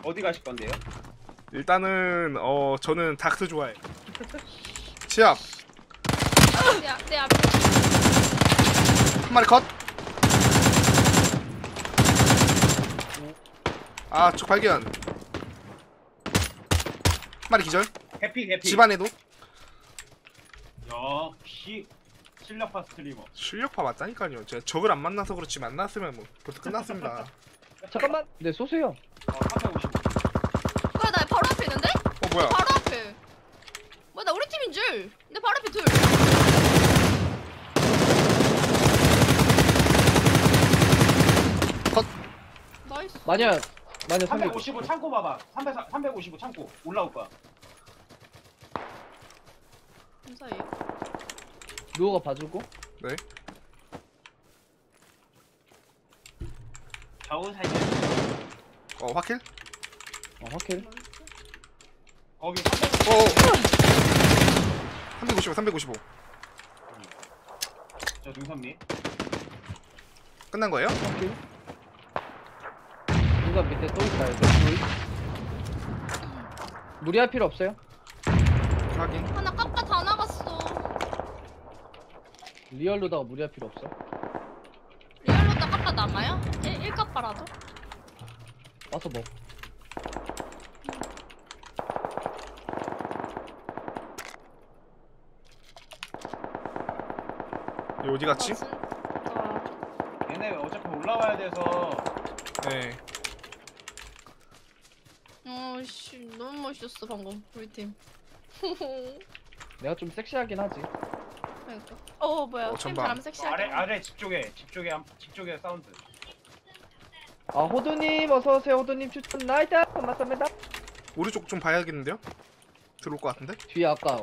어디 가실 건데요? 일단은 저는 닥스 좋아해. 시합 내 앞에. 한 마리 컷. 아, 저 발견. 한 마리 기절. 해피. 집안에도. 역시 실력파 스트리머. 실력파 맞다니까요. 제가 적을 안 만나서 그렇지 만났으면 뭐 벌써 끝났습니다. 잠깐만. 네, 쏘세요. 350. 그래 나 바로 앞에 있는데? 뭐야? 바로 앞에. 뭐야 나 우리 팀인 줄. 내 바로 앞에 둘. 컷. 나이스. 마녀 355 창고 봐봐. 355 창고 올라올 거야. 감사해요. 누워가 봐주고. 네. 좌우 살려. 화킬? 확킬. 거기 355, 355. 저 능선미. 끝난 거예요? 확킬. 누가 밑에 또 있어요. 무리할 필요 없어요. 확인. 하나 깎아 다 나갔어. 리얼로다가 무리할 필요 없어. 리얼로 딱 깎아 남아요? 1깎아라도? 와서 먹. 얘 어디 갔지? 얘네 어차피 올라와야 돼서. 네. 씨 너무 멋있었어 방금 우리 팀. 내가 좀 섹시하긴 하지. 그러니까. 뭐야? 팀 전방. 바람 섹시하게. 아래 집 쪽에 사운드. 아, 호두님 어서 오세요. 호두님 추천 나이다. 고맙습니다. 오른쪽 좀 봐야겠는데요? 들어올 것 같은데? 뒤에 아까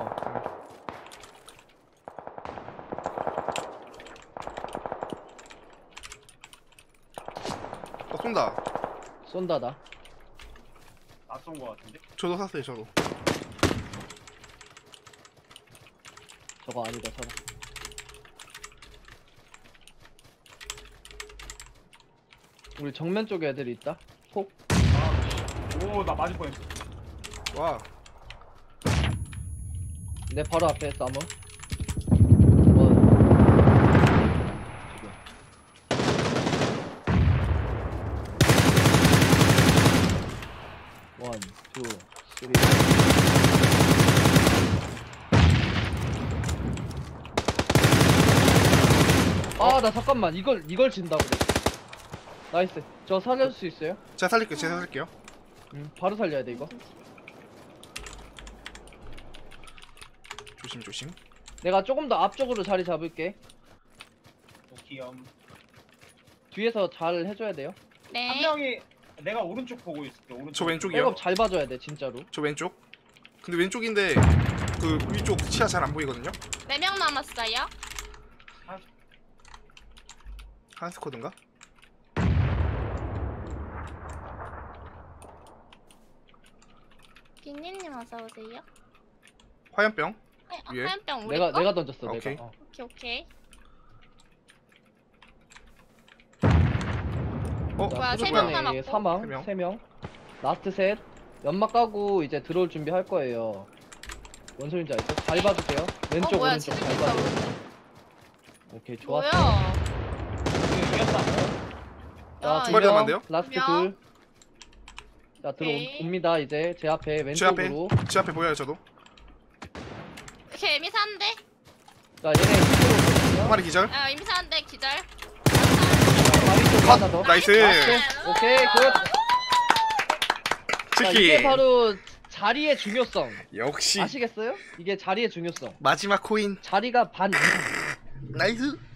쏜다. 쏜다 나. 낯선 거 같은데. 저도 샀어요, 저도. 저거 아니다 저거. 우리 정면 쪽에 애들이 있다. 폭. 오, 나 맞을 뻔했어. 와. 내 바로 앞에 싸움. 원. 지금. 원, 투, 쓰리. 아, 나 잠깐만. 이걸 진다고. 나이스. 저 살릴 수 있어요? 제가 살릴게요, 제가 살릴게요. 바로 살려야 돼 이거. 조심, 조심. 내가 조금 더 앞쪽으로 자리 잡을게. 오키엄. 뒤에서 잘 해줘야 돼요. 네. 한 명이 내가 오른쪽 보고 있을게. 오른쪽. 저 왼쪽이요. 백업 잘 봐줘야 돼 진짜로. 저 왼쪽. 근데 왼쪽인데 그 위쪽 치아 잘 안 보이거든요? 4명 남았어요. 한 스쿼드인가? 비니님 어서 오세요. 화염병. 위에? 화염병 우리 내가 거? 던졌어. 오케이. 내가. 오케이. 자, 뭐야, 세 수류탄에 명 남았고. 사망 세 명. 3명. 라스트 셋. 연막 까고 이제 들어올 준비 할 거예요. 뭔 소린지 알죠? 잘 봐주세요. 왼쪽 뭐야, 오른쪽 잘 진짜 봐줘요. 오케이 좋았어. 뭐야? 이겼다. 자, 야, 두 마리 명, 남았는데요? 라스트 명. 둘. 자 오케이. 들어옵니다. 이제 제 앞에 제 앞에, 왼쪽으로. 제 앞에 보여요, 저도. 이렇게 이미사한데? 자 얘네 이쪽으로 한 오거든요. 마리 기절. 이미사한데 기절. 바위 쪽 하나 더. 나이스. 오케이 굿. 자, 치킨. 이게 바로 자리의 중요성. 역시 아시겠어요? 이게 자리의 중요성. 마지막 코인. 자리가 반. 나이스.